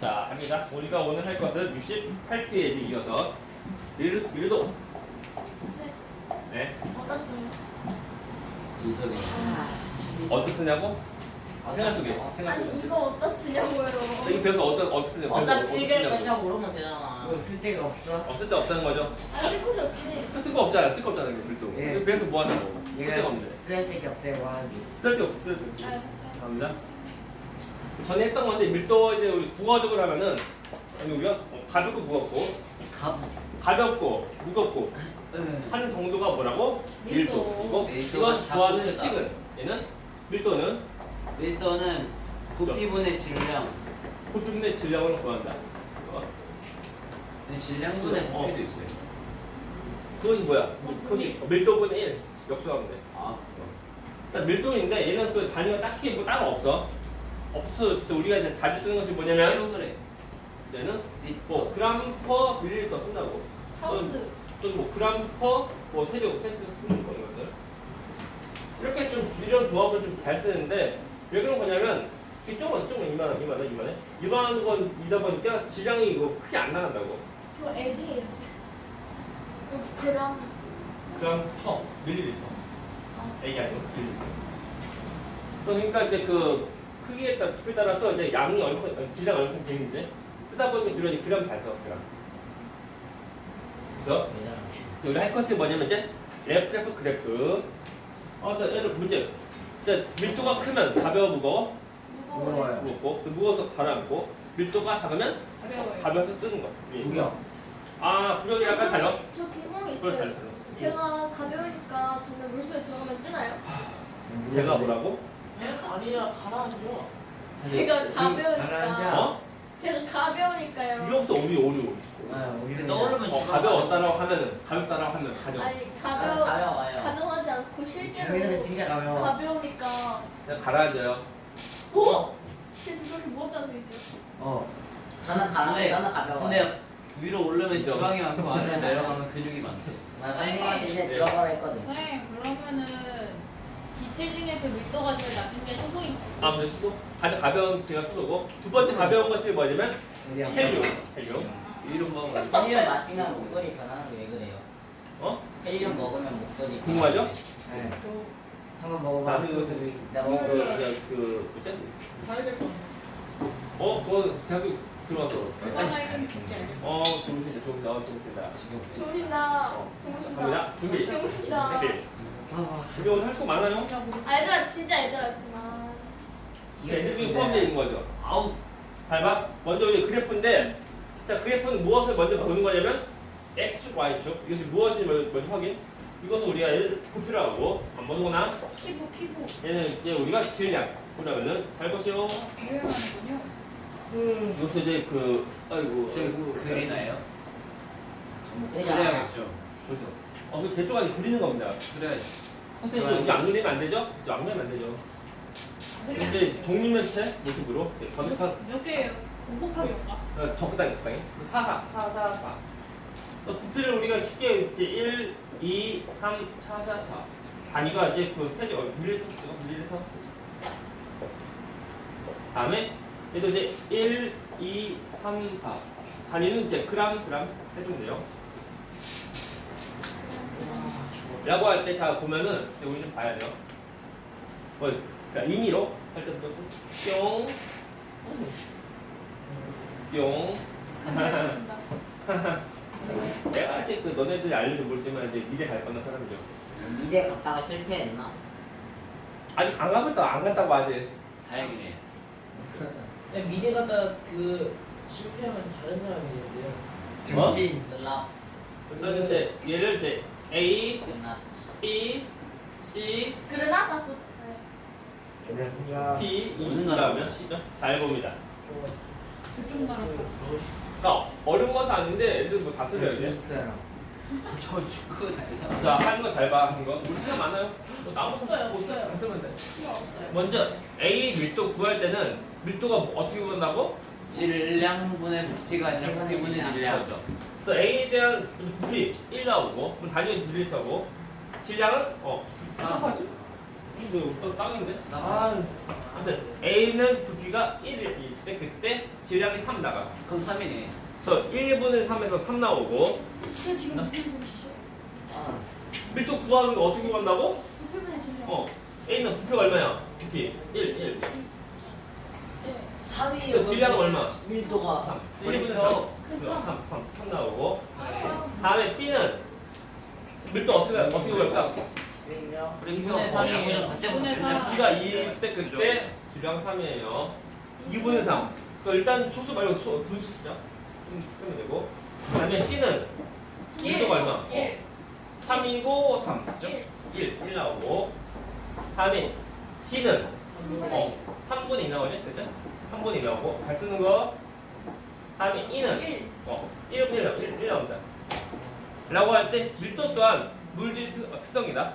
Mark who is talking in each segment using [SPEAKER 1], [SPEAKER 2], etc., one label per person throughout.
[SPEAKER 1] 자, 합니다. 우리가 오늘 할 것은 68페이지 이어서 밀도. 네.
[SPEAKER 2] 어디다 쓰냐?
[SPEAKER 3] 주석이.
[SPEAKER 1] 어떻게 쓰냐고? 생활 속에. 생활
[SPEAKER 2] 아니
[SPEAKER 1] 속에.
[SPEAKER 2] 이거 어디다 쓰냐고요.
[SPEAKER 1] 여기 배워서 어떻게 쓰냐고.
[SPEAKER 3] 어차피 필기할
[SPEAKER 1] 쓰냐고.
[SPEAKER 3] 거냐고 물으면 되잖아.
[SPEAKER 4] 이거 쓸 데가 없어?
[SPEAKER 1] 없을 때 없다는 거죠.
[SPEAKER 2] 아 쓸곳이 없긴 해.
[SPEAKER 1] 쓸 거 없잖아. 쓸 거 없잖아. 밀도.
[SPEAKER 4] 예.
[SPEAKER 1] 배워서 뭐 하자고. 쓸 데가
[SPEAKER 4] 얘가
[SPEAKER 1] 없네.
[SPEAKER 4] 쓸 데가 없대고 하기.
[SPEAKER 1] 쓸 데 없어. 쓸 데 없어.
[SPEAKER 2] 알았어요.
[SPEAKER 1] 감사합니다. 전에 했던 건데 밀도 이제 우리 국어적으로 하면은 아니 우리가 가볍고 무겁고 가볍고 무겁고 하는 정도가 뭐라고? 밀도. 그리고
[SPEAKER 3] 밀도가
[SPEAKER 1] 이거 구하는
[SPEAKER 3] 작고 크다.
[SPEAKER 1] 식은 얘는 밀도는
[SPEAKER 3] 밀도는 부피분의 질량.
[SPEAKER 1] 부피분의 질량을 구한다.
[SPEAKER 3] 근데 질량분의
[SPEAKER 1] 어.
[SPEAKER 3] 부피도 있어요.
[SPEAKER 1] 그건 뭐야? 그것이 밀도분의 1 역수하면 돼.
[SPEAKER 3] 아,
[SPEAKER 1] 그러니까 밀도인데 얘는 그 단위가 딱히 뭐 따로 없어. 없어. 그래서 우리가 이제 자주 쓰는 것이 뭐냐면
[SPEAKER 3] 킬로그램.
[SPEAKER 1] 얘는
[SPEAKER 3] 리터.
[SPEAKER 1] 뭐 그램 퍼 밀리리터 쓴다고.
[SPEAKER 2] 파운드.
[SPEAKER 1] 또는 뭐 그램 퍼뭐 세제곱센티미터 쓰는 거거든. 이렇게 좀 이런 조합을 좀 잘 쓰는데 왜 그런 거냐면 이쪽은 이만한 건이다 보니까 질량이 이거 크게 안 나간다고.
[SPEAKER 2] 이거 L이에요. 그럼
[SPEAKER 1] 그램 퍼 밀리리터. 이게 아니고 밀리리터. 그러니까 이제 그 크기에 따라 부피에 따라서 이제 양이 얼마큼 질량 얼마큼 되는지 쓰다 보니까 주로 이제 그램 잘 써. 그램. 그래서 우리 할 것이 뭐냐면 이제 그래프. 또 예를 문제. 이제 밀도가 크면 가벼워 무거워?
[SPEAKER 4] 무거워요.
[SPEAKER 1] 무겁고 무거워서 가라앉고 밀도가 작으면 가벼워서 뜨는 거.
[SPEAKER 4] 구경.
[SPEAKER 1] 구경이 약간 달라?
[SPEAKER 2] 저 궁금한 게
[SPEAKER 1] 그걸
[SPEAKER 2] 있어요.
[SPEAKER 1] 달라.
[SPEAKER 2] 제가 가벼우니까 저는 물속에 들어가면 뜨나요?
[SPEAKER 1] 제가 뭐라고?
[SPEAKER 3] 아니야, 가라앉아.
[SPEAKER 2] 제가
[SPEAKER 4] 지금
[SPEAKER 2] 가벼우니까.
[SPEAKER 4] 가라앉아.
[SPEAKER 2] 제가 가벼우니까요.
[SPEAKER 1] 이거부터 오류.
[SPEAKER 4] 우리는
[SPEAKER 3] 떠오르면
[SPEAKER 1] 가벼웠다라고 하면은 가볍다라고 하면 가져.
[SPEAKER 2] 아니
[SPEAKER 3] 가벼워요.
[SPEAKER 2] 가정하지 않고 실제로
[SPEAKER 4] 재민이는 진짜 가벼워.
[SPEAKER 2] 가벼우니까.
[SPEAKER 1] 그냥 가라앉아요.
[SPEAKER 2] 오? 진짜 그렇게 무겁다는 소리죠?
[SPEAKER 3] 나는
[SPEAKER 5] 근데
[SPEAKER 3] 가벼워.
[SPEAKER 5] 근데 위로 오르면
[SPEAKER 1] 인정.
[SPEAKER 5] 지방이 많고 아래로 내려가면 근육이 많지.
[SPEAKER 3] 나 깜짝한테 이제 들어가라 했거든.
[SPEAKER 6] 선생님 그러면은 기체 중에서 밀도가 제일 낮은 게 수소인 거예요?
[SPEAKER 1] 근데 수소? 가장 가벼운 지가 수소고 두 번째 가벼운 것이 뭐냐면 헬륨.
[SPEAKER 5] 위로 먹으면
[SPEAKER 3] 헬륨 마시면 목소리 변하는 게 왜 그래요?
[SPEAKER 1] 어?
[SPEAKER 3] 헬륨 먹으면 목소리
[SPEAKER 1] 궁금하죠?
[SPEAKER 3] 변하는 게.
[SPEAKER 4] 네. 한번 먹어봐.
[SPEAKER 1] 나는 이것은
[SPEAKER 3] 내가 먹어.
[SPEAKER 1] 뭐지?
[SPEAKER 6] 가야 될것
[SPEAKER 1] 그거 대학교 들어와서.
[SPEAKER 6] 같아요. 이름 진짜 알죠?
[SPEAKER 1] 좋습니다.
[SPEAKER 2] 주무신다.
[SPEAKER 1] 갑니다. 준비.
[SPEAKER 2] 주무신다.
[SPEAKER 1] 준비 오늘 할 거 많아요?
[SPEAKER 2] 얘들아 진짜 얘들아 그만.
[SPEAKER 1] 애들이 포함되어 있는 거죠. 잘 봐. 먼저 우리 그래프인데, 자 그래프는 무엇을 먼저 보는 거냐면 x축, y축. 이것이 무엇인지 먼저 확인. 이것은 우리가 부피로 하고 안 보는 거나
[SPEAKER 2] 피부.
[SPEAKER 1] 얘는 이제 우리가 질량. 그러면은 잘 보시오.
[SPEAKER 6] 유효하는군요.
[SPEAKER 1] 여기서 이제
[SPEAKER 5] 지금 그리나요?
[SPEAKER 3] 그러잖아.
[SPEAKER 5] 그래야겠죠.
[SPEAKER 1] 그렇죠. 그 대충 아니 그리는 겁니다.
[SPEAKER 5] 그래야지.
[SPEAKER 1] 선생님 이거 안 그리면 안 되죠? 이거 안 그리면 안 되죠. 이제 종류면체 모습으로 검색한
[SPEAKER 6] 몇 개예요? 곱곱하게 올까?
[SPEAKER 1] 적당히 4. 부피를 우리가 쉽게 이제 1, 2, 3, 4. 단위가 이제 그 세제 밀리리터. 다음에 얘도 이제 1, 2, 3, 4. 단위는 이제 그램 해주면 돼요. 라고 할 때 자 보면은 이제 우리 좀 봐야 돼요. 그러니까 임의로 할 때부터 뿅.
[SPEAKER 2] 주무신다.
[SPEAKER 1] 내가 이제 그 너네들이 알려도 모르지만 이제 미대 갈 거는 사람이죠.
[SPEAKER 3] 미대 갔다가 실패했나?
[SPEAKER 1] 아직 안 가봤다 안 갔다고 아직.
[SPEAKER 5] 다행이네.
[SPEAKER 7] 미대 갔다 그 실패하면 다른 사람이 되는데요.
[SPEAKER 4] 정치인.
[SPEAKER 3] 슬랍
[SPEAKER 1] 그래서 이제 얘를 이제 A,
[SPEAKER 3] 끝났지.
[SPEAKER 1] B, C,
[SPEAKER 2] 그러나 나도. 네.
[SPEAKER 4] 뭔가
[SPEAKER 1] P, E
[SPEAKER 5] 어느
[SPEAKER 1] 그다음에 C죠. 잘 봅니다.
[SPEAKER 6] 둘중 나눴어.
[SPEAKER 1] 그러니까 어려운 것은 아닌데 애들 뭐 다 틀려야 돼.
[SPEAKER 4] 중국 사람.
[SPEAKER 5] 저 축구 잘잖아.
[SPEAKER 1] 자 하는 거 잘 봐. 하는 거. 우리 시간 많아요. 뭐
[SPEAKER 6] 없어요.
[SPEAKER 1] 안 쓰면 돼.
[SPEAKER 6] 필요 없어요.
[SPEAKER 1] 먼저 A 밀도 구할 때는 밀도가 어떻게 구한다고?
[SPEAKER 5] 질량분의 부피가 아니라 부피분의 질량.
[SPEAKER 1] 그렇죠. 그래서 A에 대한 부피 1 나오고 그럼 단위가 밀리터고 질량은
[SPEAKER 5] 사.
[SPEAKER 1] 이거 또 땅인데? 아무튼 A는 부피가 1일 때 그때 질량이 3 나가.
[SPEAKER 5] 그럼 3이네.
[SPEAKER 1] 그래서 1분의 3에서 3 나오고
[SPEAKER 2] 근데 지금 무슨 소리시죠?
[SPEAKER 3] 아,
[SPEAKER 1] 밀도 구하는 거 어떻게 구한다고?
[SPEAKER 2] 부표면에 질량.
[SPEAKER 1] A는 부피가 얼마야? 부피 1.
[SPEAKER 4] 3이요.
[SPEAKER 1] 질량은 얼마?
[SPEAKER 4] 밀도가
[SPEAKER 1] 3. 1분의 3. 3 나오고. 다음에 B는 밀도 어떻게 구할까?
[SPEAKER 4] 그럼요.
[SPEAKER 5] 우리 2분의 3이 양이랑
[SPEAKER 6] 이분의 삼.
[SPEAKER 5] 같대면
[SPEAKER 1] 부피가 2일 때 그때 질량 3이에요. 2분의 3. 일단 소수 말고 분수 쓰자. 쓰면 되고. 다음에 C는 밀도가 얼마?
[SPEAKER 6] 1.
[SPEAKER 1] 3이고 3. 그죠? 1 나오고. 다음에 D는 3분의 2 나오죠? 그죠? 3분의 2 나오고. 잘 쓰는 거. 다음에 E는 1 나온다. 라고 할 때 밀도 또한 물질 특성이다.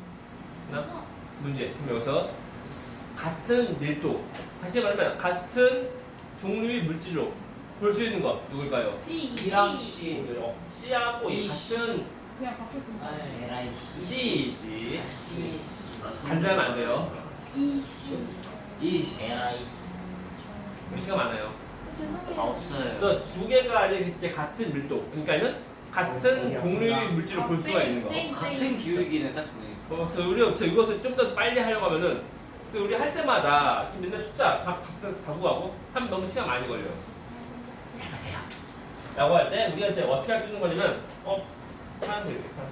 [SPEAKER 1] 문제. 그럼 여기서 같은 밀도. 다시 말하면 같은 종류의 물질로 볼 수 있는 거 누굴까요?
[SPEAKER 6] C.
[SPEAKER 4] B랑 C.
[SPEAKER 1] C하고
[SPEAKER 4] 이
[SPEAKER 1] 같은
[SPEAKER 6] 그냥 바꿀 수 있어.
[SPEAKER 3] 에라이 씨.
[SPEAKER 1] C.
[SPEAKER 4] C.
[SPEAKER 1] 반대하면 안 돼요.
[SPEAKER 2] 이씨.
[SPEAKER 4] 이씨.
[SPEAKER 3] 에라이
[SPEAKER 1] 글씨가 많아요.
[SPEAKER 2] 죄송해요.
[SPEAKER 5] 없어요.
[SPEAKER 1] 그래서 두 개가 이제 같은 밀도. 그러니까는 같은 종류의 물질로 볼 수가 있는 거.
[SPEAKER 5] 같은 기울기는 딱 보네.
[SPEAKER 1] 그래서 우리가 이것을 좀 더 빨리 하려고 하면은 우리 할 때마다 맨날 숫자 바꾸고 하고 하면 너무 시간 많이 걸려요. 잘 보세요. 라고 할 때 우리가 이제 어떻게 할 수 있는 거냐면 파란색이다.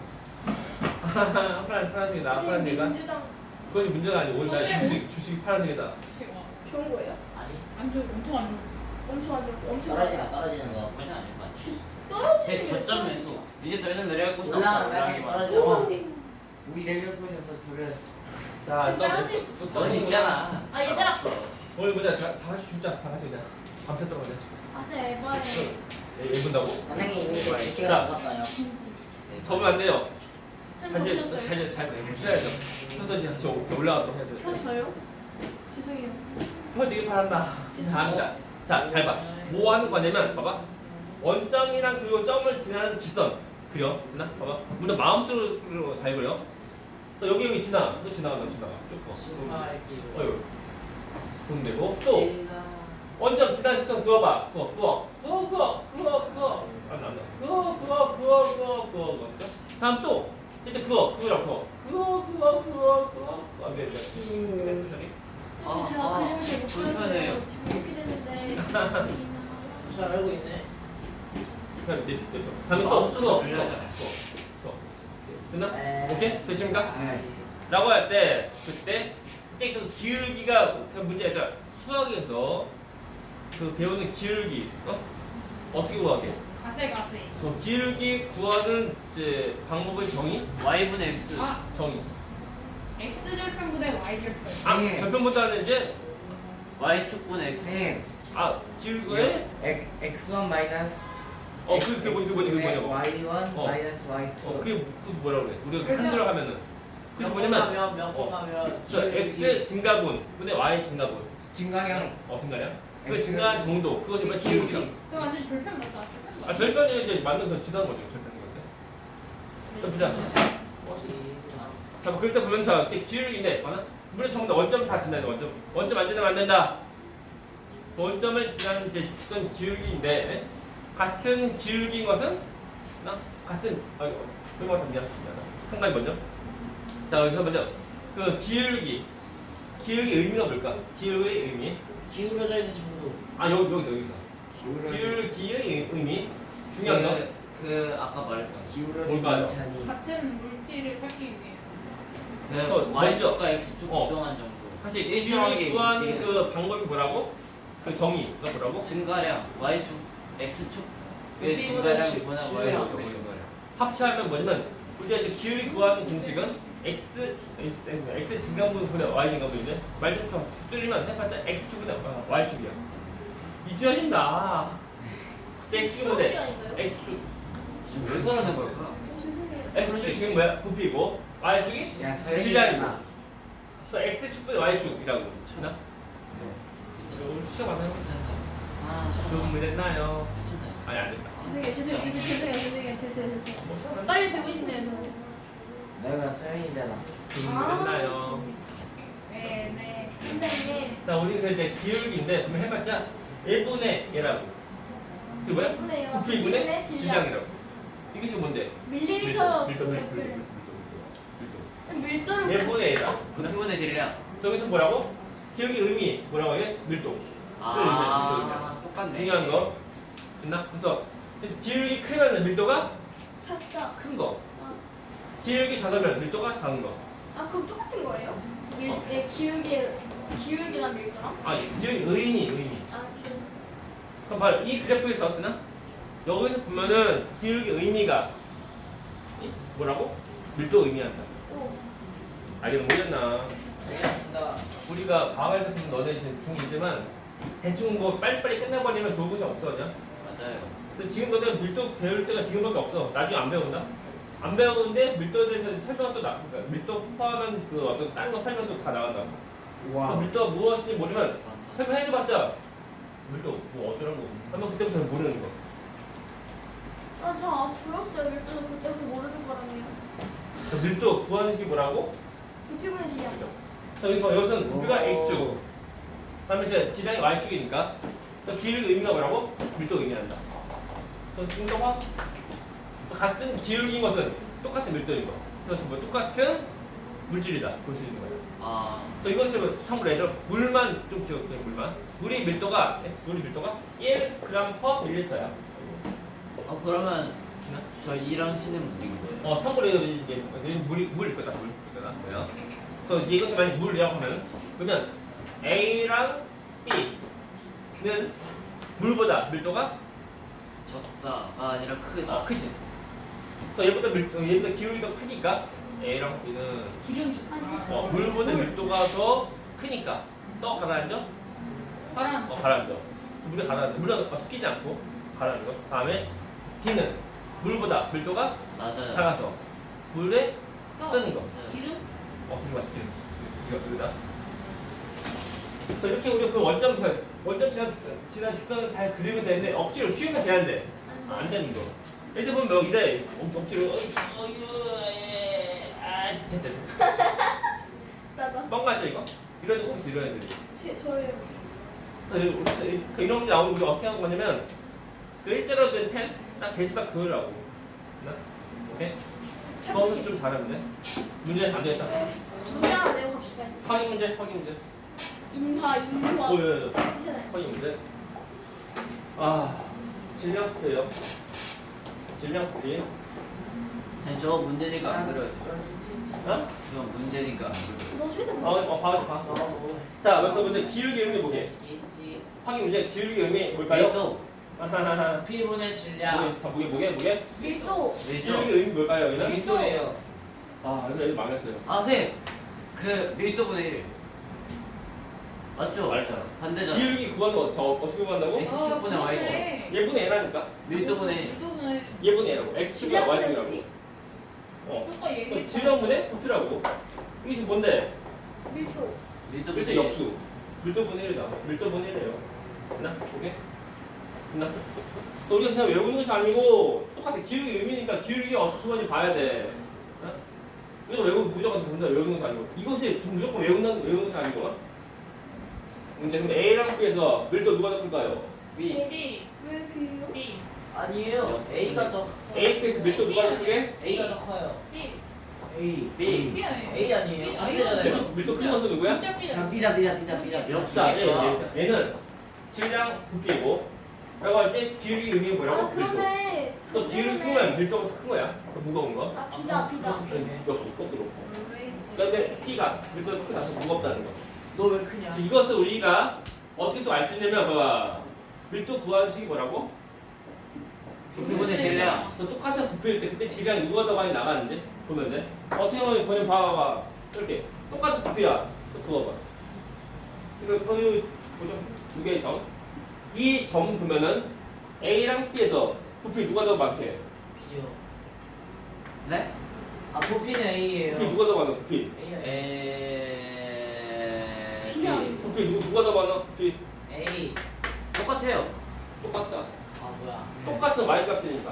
[SPEAKER 1] 파란색이다. 파란색이다.
[SPEAKER 2] 민주당
[SPEAKER 1] 그것이 문제가 아니고 오늘 나 주식이 파란색이다.
[SPEAKER 2] 좋은 거예요?
[SPEAKER 3] 아니
[SPEAKER 6] 안 좋아. 엄청 안 좋아.
[SPEAKER 2] 엄청 안 좋고 엄청
[SPEAKER 3] 떨어지는 거.
[SPEAKER 5] 그냥 아닐까?
[SPEAKER 2] 떨어지는 게
[SPEAKER 5] 저점 매수. 이제 더 이상 내려갈 곳이 없다.
[SPEAKER 3] 올라가면
[SPEAKER 5] 올라가기만 하자.
[SPEAKER 3] 떨어지는
[SPEAKER 4] 우리 내려올 곳에서 둘은
[SPEAKER 1] 자,
[SPEAKER 2] 빨간색.
[SPEAKER 5] 넌 있잖아.
[SPEAKER 2] 아 얘들아.
[SPEAKER 5] 없어.
[SPEAKER 1] 오늘 뭐냐 다 같이 죽자. 다 같이 그냥 밤새도록 그냥.
[SPEAKER 2] 아세 에바에.
[SPEAKER 1] 얘 본다고?
[SPEAKER 3] 선생님 이미
[SPEAKER 1] 자.
[SPEAKER 3] 주시가 죽었어요.
[SPEAKER 1] 접으면 안 돼요.
[SPEAKER 2] 쌤
[SPEAKER 1] 다시
[SPEAKER 2] 보셨어요?
[SPEAKER 1] 잘 써야죠. 펴서 이제 같이 올라가도록 해야 돼요.
[SPEAKER 2] 펴져요? 죄송해요.
[SPEAKER 1] 펴지기 바란다. 잘합니다. 자, 잘 봐. 뭐 하는 거냐면, 봐봐. 원점이랑 그리고 점을 지나는 직선. 그려. 됐나? 봐봐. 먼저 마음속으로 잘 그려. 또 여기 지나. 또 지나가. 쭉 봐. 어휴. 보면 되고. 또, 원점 지나는 직선 그어봐. 그어. 안 나. 그어. 다음 또, 이제 그어라고 그어. 안 돼.
[SPEAKER 2] 근데 제가 그림을 잘 못
[SPEAKER 5] 불편해요.
[SPEAKER 2] 그려서 지금 이렇게 됐는데.
[SPEAKER 7] 잘 알고 있네.
[SPEAKER 1] 다음에 또 그어. 됐나?
[SPEAKER 4] 네.
[SPEAKER 1] 오케이? 되십니까?
[SPEAKER 4] 네.
[SPEAKER 1] 라고 할 때 그때 그 기울기가 그 문제가 수학에서 그 배우는 기울기 어떻게 구하게?
[SPEAKER 6] 가세.
[SPEAKER 1] 그 기울기 구하는 이제 방법의 정의?
[SPEAKER 5] Y분의 X.
[SPEAKER 1] 정의.
[SPEAKER 6] X 절편분의 Y 절편.
[SPEAKER 4] 네.
[SPEAKER 1] 절편보다는 이제
[SPEAKER 5] Y축분의 X.
[SPEAKER 4] 선생님
[SPEAKER 1] 기울기에
[SPEAKER 4] x1 마이너스
[SPEAKER 1] 그게 뭐냐고.
[SPEAKER 4] y1
[SPEAKER 1] 어.
[SPEAKER 4] 마이너스 y2
[SPEAKER 1] 그게 뭐라고 그래? 우리가 한글로 하면은 그게 뭐냐면
[SPEAKER 7] 명품하면
[SPEAKER 1] 저 x 증가분 분의 y 증가분
[SPEAKER 4] 증가량
[SPEAKER 1] 증가량? 그
[SPEAKER 4] X.
[SPEAKER 1] 증가한 정도 그것이 뭐야? 기울기라.
[SPEAKER 6] 그 완전 절편 맞다. 절편 맞다.
[SPEAKER 1] 절편이 이제 만든 건 지나는 거죠. 절편인 건데. 자, 보자. 자, 그럴 때 보면 자, 이렇게 기울기인데, 물론 전부 다 원점 다 지나야 돼. 원점 안 지나면 안 된다. 원점을 지나는 이제 지선 기울기인데, 같은 기울기인 것은 같은 그런 것 미안. 한 가지 먼저. 자, 여기서 먼저 그 기울기의 의미가 뭘까? 기울기의 의미.
[SPEAKER 7] 기울어져 있는 정도.
[SPEAKER 1] 여기서. 기울기의 의미. 중요한 거.
[SPEAKER 5] 그 아까 말했던
[SPEAKER 4] 기울어진
[SPEAKER 1] 뭘까요?
[SPEAKER 4] 반찬이
[SPEAKER 6] 같은 물질을 찾기 위해.
[SPEAKER 5] 그 Y축과 X축
[SPEAKER 1] 어.
[SPEAKER 5] 이동한 정도.
[SPEAKER 1] 사실
[SPEAKER 5] 일정하게
[SPEAKER 1] 기울기 구하는
[SPEAKER 5] 움직이는
[SPEAKER 1] 그 방법이 뭐라고? 그 정의가 뭐라고?
[SPEAKER 5] 증가량 Y축 X축
[SPEAKER 7] 그
[SPEAKER 5] 의 증가량
[SPEAKER 7] B보다
[SPEAKER 5] 분할
[SPEAKER 7] 십
[SPEAKER 5] Y축
[SPEAKER 7] 십
[SPEAKER 5] 증가량.
[SPEAKER 1] 합치하면 뭐냐면 우리가 이제 기울기 구하는 공식은 x 증가분 분의 y 증가분인데 말 좀 줄이면 해봤자 x축분의 y축이야. 이해하신다. x축분의
[SPEAKER 2] 시간인가요?
[SPEAKER 1] x축
[SPEAKER 5] 왜 그러는 걸까?
[SPEAKER 1] x축이 뭐야? 부피고 y축이
[SPEAKER 4] 야
[SPEAKER 1] 질량이고.
[SPEAKER 4] 서현이잖아
[SPEAKER 1] 그래서 x축분의 y축이라고 나 오늘 시간 많아요. 준비됐나요?
[SPEAKER 5] 괜찮아요.
[SPEAKER 1] 아니 안 됐다.
[SPEAKER 2] 죄송해요. 빨리 되고 싶네요 저는.
[SPEAKER 4] 내가 서현이잖아
[SPEAKER 1] 준비됐나요?
[SPEAKER 2] 선생님.
[SPEAKER 1] 자, 우리 그 이제 기울기인데 그러면 해봤자 1분의 얘라고. 그 뭐야?
[SPEAKER 2] 1분의 0.
[SPEAKER 1] 부피분의 질량이라고. 이게 지금 뭔데?
[SPEAKER 2] 밀리미터.
[SPEAKER 1] 밀도.
[SPEAKER 2] 밀도를
[SPEAKER 1] 1분의 A다.
[SPEAKER 5] 부피분의 질량.
[SPEAKER 1] 여기서 뭐라고? 기울기 의미 뭐라고 해? 밀도.
[SPEAKER 5] 아, 똑같네.
[SPEAKER 1] 중요한 거. 됐나? 그래서 기울기 크면 밀도가
[SPEAKER 2] 작다.
[SPEAKER 1] 큰 거.
[SPEAKER 2] 아,
[SPEAKER 1] 기울기 작으면 밀도가 작은 거.
[SPEAKER 2] 아 그럼 똑같은 거예요? 네, 기울기랑 밀도랑?
[SPEAKER 1] 아, 기울기 의미.
[SPEAKER 2] 아 기울기.
[SPEAKER 1] 그럼 봐요. 이 그래프에서 어떠나? 여기서 보면은 기울기 의미가 뭐라고? 밀도 의미한다.
[SPEAKER 2] 오.
[SPEAKER 1] 알겠는 모르겠나?
[SPEAKER 4] 알겠습니다.
[SPEAKER 1] 우리가 과학할 때 보면 너네 지금 중2지만 대충 뭐 빨리빨리 끝내버리면 좋은 것이 없어 그냥.
[SPEAKER 5] 맞아요.
[SPEAKER 1] 그래서 지금 너네 밀도 배울 때가 지금밖에 없어. 나중에 안 배운다. 안 배우는데 밀도에 대해서 설명은 또 그러니까 밀도 포함한 그 어떤 다른 거 설명 또 다 나간다. 그래서
[SPEAKER 4] 와.
[SPEAKER 1] 밀도가 무엇인지 모르면 설명해줘봤자 밀도 뭐 어쩌라고 하면 그때부터 모르는 거.
[SPEAKER 2] 아, 저 불었어요. 밀도는 그때부터 모르는 거라며.
[SPEAKER 1] 그래서 밀도 구하는 식이 뭐라고?
[SPEAKER 2] 부피분의 질량.
[SPEAKER 1] 그죠? 자, 여기서는 부피가 x축. 그다음에 이제 질량이 y축이니까. 그래서 기울기 의미가 뭐라고? 밀도 의미한다. 그래서 밀도가 같은 기울기인 것은 똑같은 밀도인 거. 그래서 뭐 똑같은 물질이다. 볼 수 있는 거예요.
[SPEAKER 5] 아,
[SPEAKER 1] 그래서 이것을 참고로 얘들 물만 좀 기억해. 물만. 물이 밀도가 1g/ml야.
[SPEAKER 5] 그러면 저 이랑 C는 물이고요.
[SPEAKER 1] 참고로 이제 물일 거다. 뭐야? 그래서 이것이 만약 물이라고 하면 그러면 A랑 B는 물보다 밀도가
[SPEAKER 5] 적다가 아니라 크다.
[SPEAKER 1] 크지. 그러니까 얘보다 기울기 더 크니까 A랑 B는
[SPEAKER 6] 기름이.
[SPEAKER 1] 물보다 밀도가 더 크니까 또 가라앉아?
[SPEAKER 6] 바람.
[SPEAKER 1] 가라앉아. 물에 가라앉아. 물에 섞이지 않고 가라앉아. 다음에 B는 물보다 밀도가
[SPEAKER 5] 맞아요.
[SPEAKER 1] 작아서 물에
[SPEAKER 6] 또
[SPEAKER 1] 뜨는 거.
[SPEAKER 6] 기름?
[SPEAKER 1] 이거 맞지? 이거다. 그래서 이렇게 우리 그 원점 지난 직선을 잘 그리면 되는데 억지로 쉬우면 되는데 안 되는 거. 예를 들면 뭐 이래 억지로 됐다.
[SPEAKER 2] 나다.
[SPEAKER 1] 뻥 같죠 이거? 이런 애들 꼭 있어 이런 애들이.
[SPEAKER 2] 저예요.
[SPEAKER 1] 그래서 이런 게 나오면 우리가 어떻게 하는 거냐면 그 일자로 된 펜 딱 베이스딱 그으라고. 오케이? 그거는 좀 잘하면 돼. 문제 안 되겠다.
[SPEAKER 2] 문제 하나 내고 갑시다.
[SPEAKER 1] 확인 문제.
[SPEAKER 2] 인화.
[SPEAKER 1] 보여요.
[SPEAKER 2] 괜찮아요.
[SPEAKER 1] 확인 문제. 질량 풀이에요. 질량 풀이.
[SPEAKER 5] 저 문제니까 안 그래요.
[SPEAKER 1] 어?
[SPEAKER 5] 저 문제니까 안 그래요.
[SPEAKER 2] 너 최대 문제.
[SPEAKER 1] 봐. 자, 여기서 먼저 기울기 의미 보게. 확인 문제. 기울기 의미 뭘까요?
[SPEAKER 5] 밀도.
[SPEAKER 7] 부피분의 질량.
[SPEAKER 1] 뭐게?
[SPEAKER 2] 밀도.
[SPEAKER 1] 기울기
[SPEAKER 5] 밀도.
[SPEAKER 1] 의미 뭘까요, 여기는?
[SPEAKER 7] 밀도예요.
[SPEAKER 1] 애들 망했어요.
[SPEAKER 5] 선생님. 그 밀도분의 1. 맞죠?
[SPEAKER 1] 말했잖아.
[SPEAKER 5] 반대잖아.
[SPEAKER 1] 기울기 구하는 거 어떻게 구한다고?
[SPEAKER 5] X축분의 Y축.
[SPEAKER 1] 얘분의 A라니까.
[SPEAKER 5] 밀도분의
[SPEAKER 6] 밀도분의
[SPEAKER 1] 얘분의 A라고. X축이랑 Y축이라고.
[SPEAKER 6] 조금 얘기해.
[SPEAKER 1] 질량분의 부피라고. 이게 지금 뭔데?
[SPEAKER 2] 밀도.
[SPEAKER 1] 밀도 역수. 밀도분의 1이다. 밀도분의 1이에요. 됐나? 오케이? 됐나? 또 우리가 그냥 외우는 것이 아니고 똑같아. 기울기 의미니까 기울기가 어떻게 하는지 봐야 돼. 어? 이거 무조건 본다 외우는 것이 아니고 이것이 무조건 외우는 것이 아니고 문제 그럼 A랑 B에서 밀도 누가 더 클까요?
[SPEAKER 5] B.
[SPEAKER 6] B.
[SPEAKER 2] 왜 B요?
[SPEAKER 6] B.
[SPEAKER 5] 아니에요. A가 더
[SPEAKER 1] A, B에서 밀도 누가 더 크게?
[SPEAKER 5] A가 더 커요.
[SPEAKER 6] B.
[SPEAKER 4] A.
[SPEAKER 5] B.
[SPEAKER 6] B 아니에요?
[SPEAKER 5] A 아니에요?
[SPEAKER 6] B
[SPEAKER 7] 반대잖아요.
[SPEAKER 1] 밀도 큰 것은 누구야?
[SPEAKER 6] 진짜 B.
[SPEAKER 4] 삐다.
[SPEAKER 1] 역사. 얘는 질량 부피고 라고 할 때 기울기 의미는 뭐라고? 밀도.
[SPEAKER 2] 그러네.
[SPEAKER 1] 또 기울기 크면 밀도가 더 큰 거야. 더 무거운 거.
[SPEAKER 2] 비다.
[SPEAKER 1] 역수 거꾸로. 그런데 B가 밀도가 더 크다서 무겁다는 거.
[SPEAKER 7] 너 왜 크냐?
[SPEAKER 1] 이것을 우리가 어떻게 또 알 수 있냐면 봐봐. 밀도 구하는 식이 뭐라고?
[SPEAKER 5] 부피분의 질량.
[SPEAKER 1] 그래서 똑같은 부피일 때 그때 질량이 누가 더 많이 나가는지 보면 돼. 어떻게 보면 그냥 봐봐. 이렇게 똑같은 부피야. 또 그거 봐. 거기 보죠. 두 개의 점. 이 점 보면은 A랑 B에서 부피 누가 더 많게?
[SPEAKER 7] B요.
[SPEAKER 5] 네?
[SPEAKER 7] 부피는 A예요.
[SPEAKER 1] 부피 누가 더 많아? 부피.
[SPEAKER 2] B야.
[SPEAKER 1] 부피 누가 더 많아? 부피
[SPEAKER 7] A.
[SPEAKER 5] 똑같아요.
[SPEAKER 1] 똑같다.
[SPEAKER 7] 뭐야?
[SPEAKER 1] 똑같은 Y 값이니까.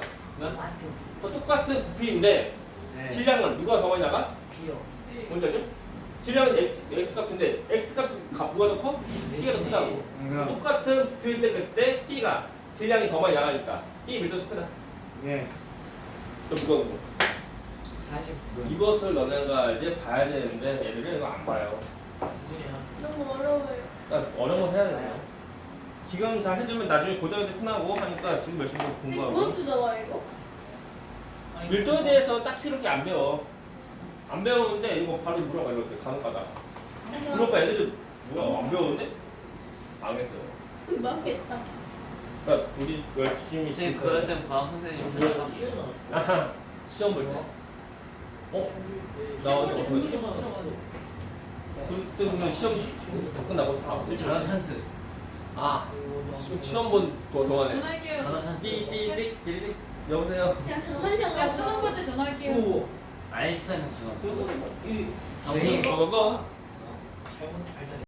[SPEAKER 1] 똑같은 부피인데
[SPEAKER 4] 네.
[SPEAKER 1] 질량은 누가 더 많이 나가?
[SPEAKER 7] B요.
[SPEAKER 1] 뭔지 알죠? 질량은 x 값인데 x 값이 뭐가 더 커? b가 더 크다고. 똑같은 부피인데 그때 b가 질량이 더 많이 나가니까 b 밀도도 크다.
[SPEAKER 4] 예.
[SPEAKER 1] 좀 무거운 거.
[SPEAKER 4] 49.
[SPEAKER 1] 이것을 너네가 이제 봐야 되는데 애들은 이거 안 봐요.
[SPEAKER 2] 너무 어려워요.
[SPEAKER 1] 그러니까 어려운 건 해야 돼요. 지금 잘 해주면 나중에 고등학교 때 끝나고 하니까 지금 열심히
[SPEAKER 2] 근데
[SPEAKER 1] 공부하고.
[SPEAKER 2] 그것도 나와요 이거?
[SPEAKER 1] 밀도에 대해서 딱히 이렇게 안 배워. 안 배우는데 이거 바로 물어봐 이렇게 간혹가다. 물어봐 애들이 뭐야 안 배우는데? 망했어요.
[SPEAKER 2] 망했다.
[SPEAKER 1] 그러니까 우리 열심히
[SPEAKER 5] 선생님 그럴 땐 과학 선생님 생각하면
[SPEAKER 1] 아하, 시험 볼 때. 나
[SPEAKER 6] 시험 볼때
[SPEAKER 1] 어디
[SPEAKER 6] 점수 좀 들어가도.
[SPEAKER 1] 그때 보면 시험 다 끝나고 다
[SPEAKER 5] 전화 찬스.
[SPEAKER 1] 아 시험 본 동안에
[SPEAKER 6] 전화할게요.
[SPEAKER 5] 전화 찬스.
[SPEAKER 1] 띠띠띠띠 여보세요.
[SPEAKER 2] 그냥 저만
[SPEAKER 6] 야 수능 볼 때 전화할게요.
[SPEAKER 1] 오
[SPEAKER 5] 아인슈타인 전화.
[SPEAKER 1] 수능
[SPEAKER 4] 네.
[SPEAKER 1] 거
[SPEAKER 7] 잘못 알잖아.